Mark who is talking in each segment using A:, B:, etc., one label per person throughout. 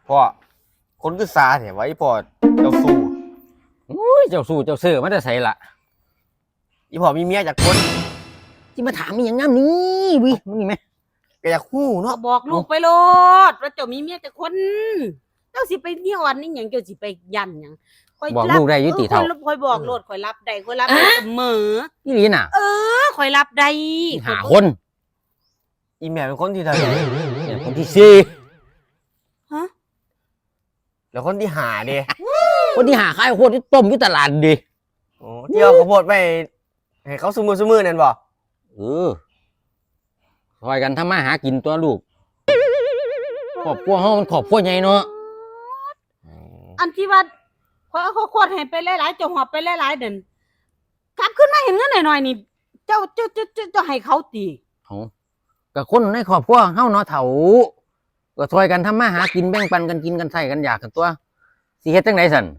A: พ่อคนคือซาเนี่ยไว้พ่อเจ้าสู้
B: อุ้ยเจ้าสู้เจ้าเสือมันจะใส่ละ
A: อีพ่อมีเมียจากคน
B: ที่มาถามมีอย่างงั้นนี่วิมึงนี่ไหม
A: ก็อยากคู่
C: ก็
A: เนาะ
C: บอกลูกไปโลดว่าเจ้ามีเมียแต่คนเจ้าสิไปนี่อ่อนนี่หยังเจ้าสิไปยันหยังข่อย
B: บอกลูกได้ยุติเท่า
C: ข่อยบอกโลดข่อยรับได้ข่อยรับได้เสมอ
B: นี่ลีน่ะ
C: ข่อยรับได้
B: หาคน
A: อีแม่เป็นคนที่เท่าไหร่
B: เนี่ยคนที่สี่
C: ฮะ
A: แล้วคนที่หาเด้
B: คนที่หาขายโคตรที่ต้มอยู่ตลาดดิ
A: โอ้ที่เอาข้าวโพดไปให้เขาซุมือนั่นบ่
B: เออคอยกันทำมาหากินตัวลูกครอบครัวเฮามันครอบครัวใหญ่เนาะ
C: อันที่ว่าข่อยเอาข้าวโพดให้ไปหลายๆเจ้าหอบไปหลายๆเด่นกลับขึ้นมาเห็นเงินหน่อยๆนี่เจ้าให้เขาตี
B: เอากับคนในครอบครัวเฮาเนาะเฒ่าก็ช่วยกันทำมาหากินแบ่งปันกันกินกันใส่กันอยากกันตัวสิเฮ็ดจังไดสั่น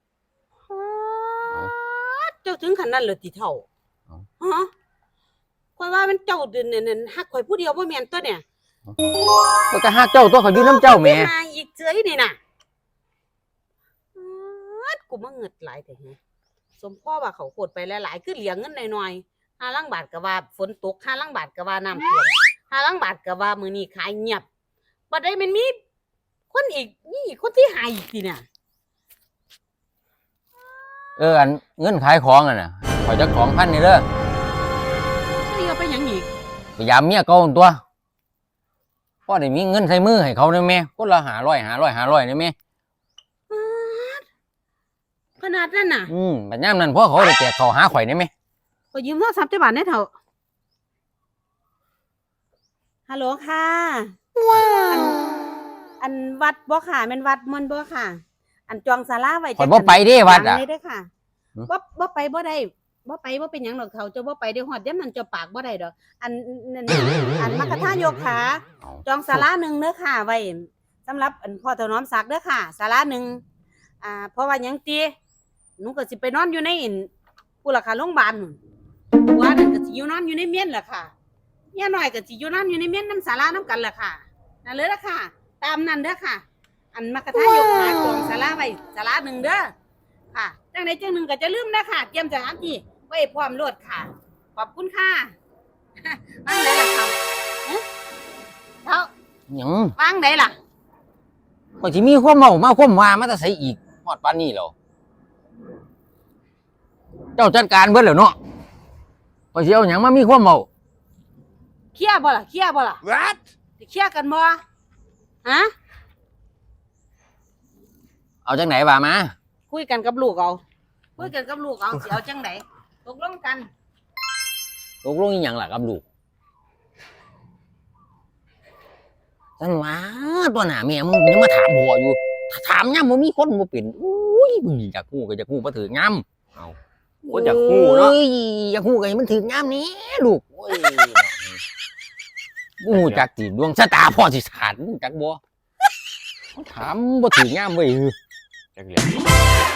C: เจ้าถึงขนาดนั้นเลยติเท่า
B: เอ้า
C: ฮะข่อยว่ามันเจ้าเด่นเนี่ยฮักข่อยผู้เดียวบ่แม่นตัวเนี่ย
B: ก็จะหาเจ้าตัวเขาอยู่น้ำเจ้าแหม่
C: มาอีกเจยนี่น่ะกูมาเงิดหลายแต่เฮะสมพ่อว่าเขาโคตรไปหลายๆคือเหลียงเงินหน่อยๆ5ลังบาทก็ว่าฝนตก5ลังบาทก็ว่าน้ำท่วม5ลังบาทก็ว่ามื้อนี้ขายเงียบบัดใดมันมีคนอีกนี่คนที่หายอีกสิน่ะ
B: อันเงินขายของอ่ะน่ะขอยจะของพันนี่เด้อ
C: นี่เอาไปหยังอีก
B: พยายามเมียเก่าหั่นตัวพ่อได้มีเงินใส่มือให้เขาได้แม่คนละ500ได้แม่
C: ขนาดนั้นน่ะ
B: บัดยามนั้นพ่อเขาได้แจกเขาวหาข่อยได้แม่
C: ก็ยืมโทรศัพท์จักบาทได้เท่าฮัลโหลค่ะอันวัดบ่ค่ะแม่นวัดมันบ่ค่ะ อันจองศาลาไว้
B: ข่อยบ่ไปเด้วัดอ่ะ
C: เลยเด้อค่ะบ่ไปบ่ได้บ่ไปบ่เป็นหยังดอกเฒ่าเจ้าบ่ไปได้ฮอดยามนั้นเจ้าปากบ่ได้ดอกอันนั่นอันมัคคทายกค่ะจองศาลาหนึ่งเด้อค่ะไว้สำหรับอันพ่อถนอมศักดิ์เด้อค่ะศาลาหนึ่งเพราะว่าหยังติหนูก็สิไปนอนอยู่ในผู้ราคาโรงพยาบาลนู่นผัวนั่นก็สิอยู่นอนอยู่ในเมียนล่ะค่ะเมียน้อยก็สิอยู่นอนอยู่ในเมียนนำศาลานำกันล่ะค่ะนั่นเลยล่ะค่ะ ตามนั้นเด้อค่ะ อันมัคคทายกหาจองศาลาไว้ศาลาหนึ่งเด้อค่ะจังใดจังหนึ่งก็จะลืมนะค่ะเตรียมสถานที่ไว้พร้อมโลดค่ะ ขอบคุณค่ะ วางไหนล่ะเขาเท่า
B: หยัง
C: วางไหนล่ะ
B: ข่อยสิมีความเมามาความว่ามาแต่ไสอีกฮอดปานนี้แล้วเจ้าจัดการเบิดแล้วเนาะข่อยสิเอาหยังมามีความเมา
C: เคลียร์บ่ล่ะเคลียร์บ่ล่ะ
A: What
C: สิเคลียร์กันบ่ฮะ
B: เอาจังไหนว่ามา
C: คุยกันกับลูกเอาคุยกันกับลูกเอาสิเอาจังไหนตกลงกัน
B: ตกลงอีหยังล่ะกับลูกฉันว่าตัวหน้าแม่มึงยังมาถามพ่ออยู่ถ้าถามยามบ่มีคนบ่เป็นอุ้ยมึงอยากฮู้ก็อยากฮู้บ่ถึกยาม
A: คนอยากคู่เนาะ
B: อยากฮู้ก็ให้มันถึกยามนี้ลูกโอ้ยบ่ฮู้จักสิดวงชะตาพ่อสิขาดมึงจักบ่ถามบ่ถึกยามเว้ย
A: จักเรียน